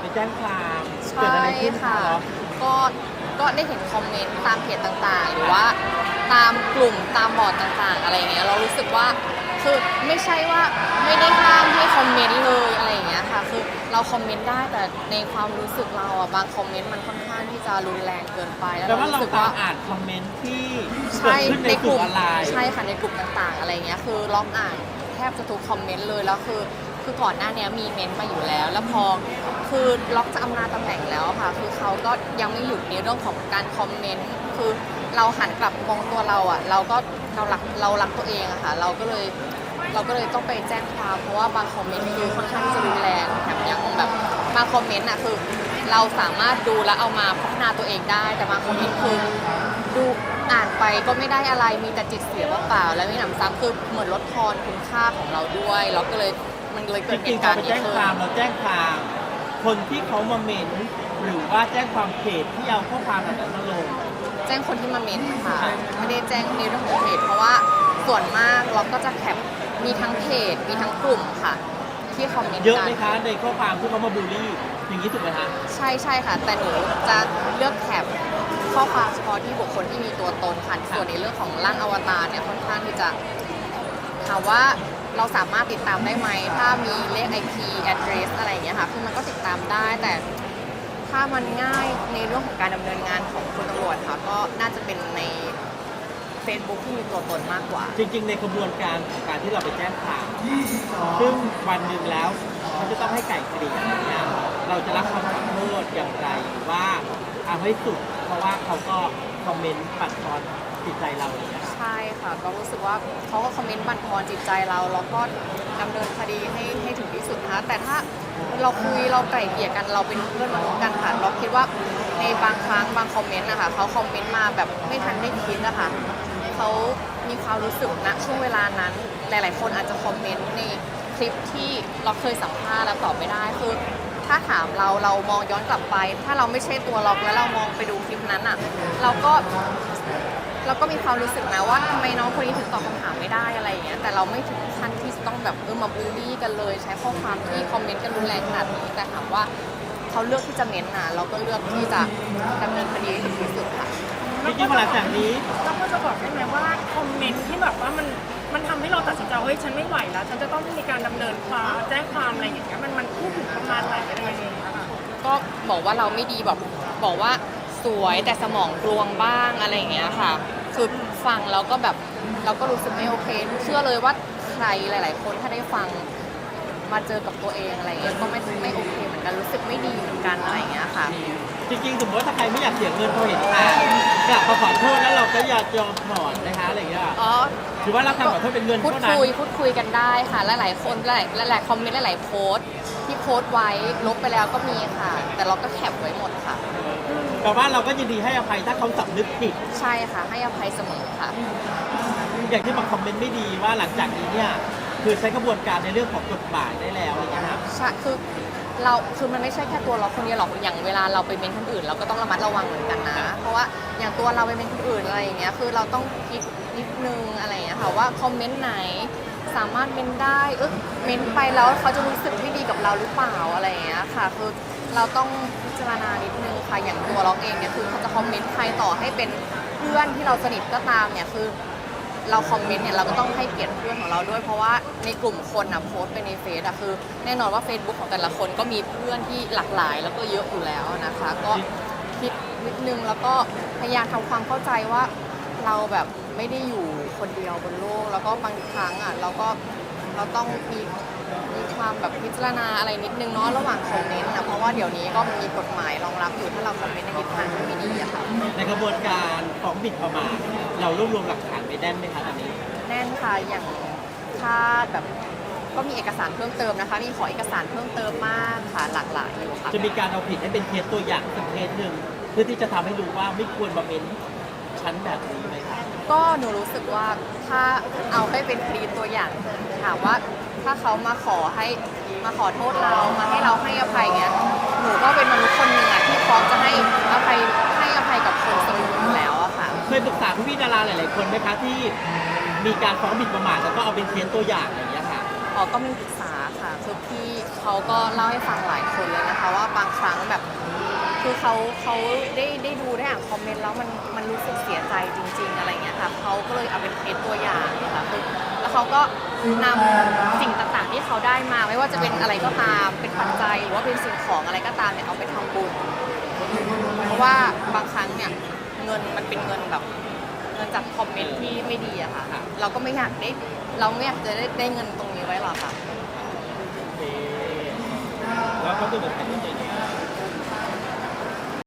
แจ้งความใชเกิดอะ่ไรขึ้นคะค่ะเนาะก็ก็ได้เห็นคอมเมนต์ตามเพจต่างๆหรือว่าตามกลุ่มตามบอร์ดต่างๆอะไรอย่างเงี้ยเรารู้สึกว่าคือไม่ใช่ว่าไม่ได้ห้ามให้คอมเมนต์เลยอะไรอย่างเงี้ยค่ะคือเราคอมเมนต์ได้แต่ในความรู้สึกเราอะบางคอมเมนต์มันค่อนข้างที่จะรุนแรงเกินไปแล้วแต่เราว่าเรารู้สึกว่าตามอ่านคอมเมนต์ที่เกิใช่ดขึ้นในในกกลุ่ลุ่มมออนไลน์ใช่ค่ะในกลุ่มต่างๆอะไรเงี้ยคือล็อกอ่านแทบจะทุกคอมเมนต์เลยแล้วคือก่อนหน้านี้มีเมนต์มาอยู่แล้วแล้วพอคือล็อกจะอำนาจตำแหน่งแล้วค่ะคือเขาก็ยังไม่หยุดในเรื่องของการคอมเมนต์คือเราหันกลับมองตัวเราอ่ะเรารักตัวเองอะค่ะเราก็เลยต้องไปแจ้งความเพราะว่าบางคอมเมนต์คือค่อนข้างที่จะรุนแรงแถมยังแบบบางคอมเมนต์อะคือเราสามารถดูแล้วเอามาพัฒนาตัวเองได้แต่บางคอมเมนต์คือดูอ่านไปก็ไม่ได้อะไรมีแต่จิตเสียเปล่าๆแล้วมีหนำซ้ำคือเหมือนลดทอนคุณค่าของเราด้วยเราก็เลยมันเลยจเกิดเหริงๆตุการณ์เราไปแจ้งนี้ขึ้นความเราแจ้งความคนที่เขามาเมนต์หรือว่าแจ้งความเพจที่เอาข้อความแบบนั้นมาลงแจ้งคนที่มาเมนต์ค่ะไม่ได้แจ้งในเรื่องของเพจเพราะว่าส่วนมากเราก็จะแคปมีทั้งเพจมีทั้งกลุ่มค่ะที่คอมเมนต์เยอะกัไหมนคะในข้อความที่เขามาบูลลี่อย่างนี้ถูกไหมคะใช่ค่ะแต่หนูจะเลือกแคปข้อความเฉพาะที่บุคคลที่มีตัวตนค่ะส่วนในเรื่องของร่างอวตารเนี่ยค่อนข้างที่จะถามว่าเราสามารถติดตามได้ไหมถ้ามีเลข IP address อะไรอย่างเงี้ยค่ะคือมันก็ติดตามได้แต่ถ้ามันง่ายในเรื่องของการดำเนินงานของคุณตำรวจค่ะก็น่าจะเป็นใน Facebook ที่มีตัวตนมากกว่าจริงๆในกระบวนการของการที่เราไปแจ้งความซึ่งวันหนึ่งแล้วเขาจะต้องให้ไก่เกลี่ยอย่างเงี้ยเราจะรับคำขอโทษอย่างไรหรือว่าเอาให้สุดเพราะว่าเขาก็คอมเมนต์ปัดทอนจิตใจเราอย่างเงี้ยใช่ค่ะก็รู้สึกว่าเขาก็คอมเมนต์บั่นทอนจิตใจเราแล้วก็ดำเนินคดีให้ถึงที่สุดนะคะแต่ถ้าเราคุยเราไกล่เกลี่ยกันเราเป็นเพื่อนมนุษย์กันค่ะเราคิดว่าในบางครั้งบางคอมเมนต์นะคะเขาคอมเมนต์มาแบบไม่ทันได้คิดนะคะเขามีความรู้สึกณช่วงเวลานั้นหลายๆคนอาจจะคอมเมนต์ในคลิปที่เราเคยสัมภาษณ์แล้วตอบไม่ได้คือถ้าถามเรามองย้อนกลับไป ถ้าเราไม่ใช่ตัวเราแล้วเรามองไปดูคลิปนั้นอ่ะเราก็มีความรู้สึกนะว่าทำไมน้องคนนี้ถึงตอบคำถามไม่ได้อะไรอย่างเงี้ยแต่เราไม่ถึงขั้นที่จะต้องแบบมาบูลลี่กันเลยใช้ข้อความที่คอมเมนต์กันรุนแรงขนาดนี้แต่ถามว่าเขาเลือกที่จะเม้นต์นะเราก็เลือกที่จะดำเนินคดีให้ถึงที่สุดค่ะจริงๆหลังจากนี้เราก็จะบอกได้ไหมว่าคอมเมนต์ที่แบบว่ามันทำให้เราตัดสินใจเฮ้ยฉันไม่ไหวแล้วฉันจะต้องมีการดำเนินความแจ้งความอะไรอย่างเงี้ยมันพูดถึงประมาณไหนอะไรอย่างเงี้ยค่ะก็บอกว่าเราไม่ดีแบบบอกว่าสวยแต่สมองกลวงบ้างอะไรอย่างเงี้ยค่ะคือฟังแล้วก็แบบเราก็รู้สึกไม่โอเคเชื่อเลยว่าใครหลาย ๆ คนถ้าได้ฟังมาเจอกับตัวเองอะไรเงี้ยก็ไม่โอเคเหมือนกันรู้สึกไม่ดีเหมือนกันอะไรอย่างเงี้ยค่ะจริงๆสมมติว่าถ้าใครไม่อยากเสียเงินพอเห็นข่าวกลับมาขอโทษแล้วเราก็อยากยอมถอนนะคะอะไรอย่างเงี้ยอ๋อถือว่ารับคำขอโทษเป็นเงินพูดเท่านั้นคุยกันได้ค่ะหลายๆคนหลายๆคอมเมนต์หลายๆโพสต์ที่โพสต์ไว้ลบไปแล้วก็มีค่ะ แต่เราก็แคปไว้หมดค่ะแต่ว่าเราก็ยินดีให้อภัยถ้าเขาสำนึกผิดใช่ค่ะให้อภัยเสมอค่ะอย่างที่บางคอมเมนต์ไม่ดีว่าหลังจากนี้เนี่ยคือใช้กระบวนการในเรื่องของกฎหมายได้แล้วอะไรอย่างเงี้ยครับใช่คือมันไม่ใช่แค่ตัวเราคนเดียวหรอกอย่างเวลาเราไปเมนคนอื่นเราก็ต้องระมัดระวังเหมือนกันนะ เพราะว่าอย่างตัวเราไปเมนคนอื่นอะไรอย่างเงี้ยคือเราต้องคิดนิดนึงอะไรอย่างเงี้ยค่ะว่าคอมเมนต์ไหนสามารถเมนได้เมนไปแล้วเขาจะรู้สึกไม่ดีกับเราหรือเปล่าอะไรอย่างเงี้ยค่ะคือเราต้องพิจารณานิดนึงค่ะอย่างตัวเราเองเนี่ยคือเขาจะคอมเมนต์ใครต่อให้เป็นเพื่อนที่เราสนิทก็ตามเนี่ยคือ เราคอมเมนต์เนี่ยเราก็ต้องให้เกียรติเพื่อนของเราด้วยเพราะว่าในกลุ่มคนนะโพสต์ไปในเฟซอะคือแน่นอนว่า Facebook ของแต่ละคนก็มีเพื่อนที่หลากหลายแล้วก็เยอะอยู่แล้วนะคะ ก็คิดนิดนึงแล้วก็พยายามทำความเข้าใจว่าเราแบบไม่ได้อยู่คนเดียวบนโลกแล้วก็บางครั้งอะเราต้องมีความแบบพิจารณาอะไรนิดนึงเนาะระหว่างคอมเมนต์นะเพราะว่าเดี๋ยวนี้ก็มีกฎหมายรองรับอยู่ถ้าเราคอมเมนต์ในทิศทางที่ไม่ดีอะค่ะในกระบวนการฟ้องบิดประมาทเรารวบรวมหลักฐานไปแน่นไหมคะตอนนี้แน่นค่ะอย่างถ้าแบบก็มีเอกสารเพิ่มเติมนะคะ มีขอเอกสารเพิ่มเติมมากค่ะหลากหลายอยู่ค่ะจะมีการเอาผิดให้เป็นเคสตัวอย่างสักเคสหนึ่งเพื่อที่จะทำให้รู้ว่าไม่ควรมาเม้นชั้นแบบนี้ไหมคะก็หนูรู้สึกว่าถ้าเอาให้เป็นคดีตัวอย่างถามว่าถ้าเขามาขอโทษเรามาให้เราให้อภัยเงี้ยหนูก็เป็นมนุษย์คนหนึ่งอะที่พร้อมจะให้อภัยกับคนเสมออยู่แล้วอะค่ะเคยปรึกษาพี่ๆดาราหลายๆคนไหมคะที่มีการฟ้องบิดประมาทแล้วก็เอาเป็นเคสตัวอย่างอย่างเงี้ยค่ะอ๋อก็มีปรึกษาค่ะคือพี่เขาก็เล่าให้ฟังหลายคนเลยนะคะว่าบางครั้งแบบ คือเขาได้ดูได้อ่านคอมเมนต์แล้วมันรู้สึกเสียใจจริง ๆ อะไรเงี้ยค่ะเขาก็เลยเอาเป็นเคสตัวอย่างนะคะคือแล้วเขาก็นำสิ่งต่างๆที่เขาได้มาไม่ว่าจะเป็นอะไรก็ตามเป็นปัจจัยหรือว่าเป็นสิ่งของอะไรก็ตามเนี่ยเอาไปทำบุญเพราะว่าบางครั้งเนี่ยเงินมันเป็นเงินแบบเงินจากคอมเมนต์ที่ไม่ดีอะค่ะเราก็ไม่อยากจะได้เงินตรงนี้ไว้หรอกค่ะโอเคแล้วก็ดูแบบไหนที่จะ